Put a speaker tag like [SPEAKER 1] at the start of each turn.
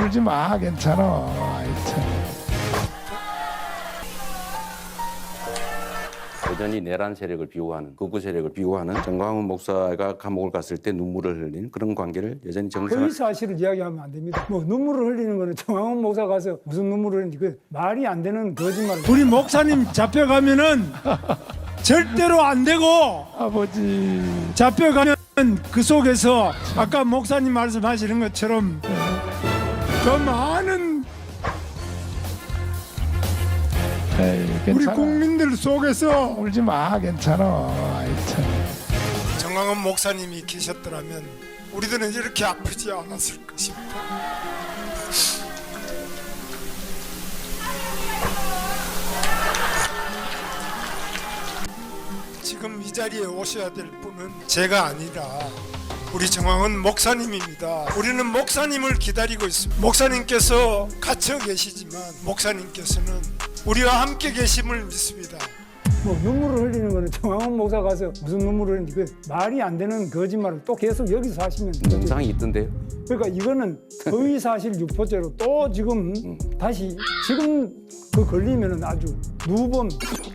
[SPEAKER 1] 울지 마, 괜찮아. 아이, 참.
[SPEAKER 2] 여전히 내란 세력을 비호하는, 극우 세력을 비호하는 정광훈 목사가 감옥을 갔을 때 눈물을 흘리는 그런 관계를 여전히
[SPEAKER 3] 허위 사실을 이야기하면 안 됩니다. 뭐 눈물을 흘리는 거는 정황훈 목사 가서 무슨 눈물을 흘리는지 그 말이 안 되는 거짓말.
[SPEAKER 4] 우리 목사님 잡혀가면은 절대로 안 되고,
[SPEAKER 1] 아버지.
[SPEAKER 4] 잡혀가면 그 속에서 아까 목사님 말씀하시는 것처럼 더 많은
[SPEAKER 1] 에이,
[SPEAKER 4] 우리
[SPEAKER 1] 괜찮아.
[SPEAKER 4] 국민들 속에서
[SPEAKER 1] 울지 마, 괜찮아. 아이, 참.
[SPEAKER 4] 정광훈 목사님이 계셨더라면 우리들은 이렇게 아프지 않았을 것입니다. 지금 이 자리에 오셔야 될 분은 제가 아니라 우리 정광훈 목사님입니다. 우리는 목사님을 기다리고 있습니다. 목사님께서 갇혀 계시지만 목사님께서는 우리와 함께 계심을 믿습니다.
[SPEAKER 3] 뭐 눈물을 흘리는 거는 정황훈 목사 가서 무슨 눈물을 흘리는지 그 말이 안 되는 거짓말을 또 계속 여기서 하시면 돼요.
[SPEAKER 2] 영상이 있던데요.
[SPEAKER 3] 그러니까 이거는 허위 사실 유포죄로 또 지금 다시 지금 그 걸리면은 아주 누범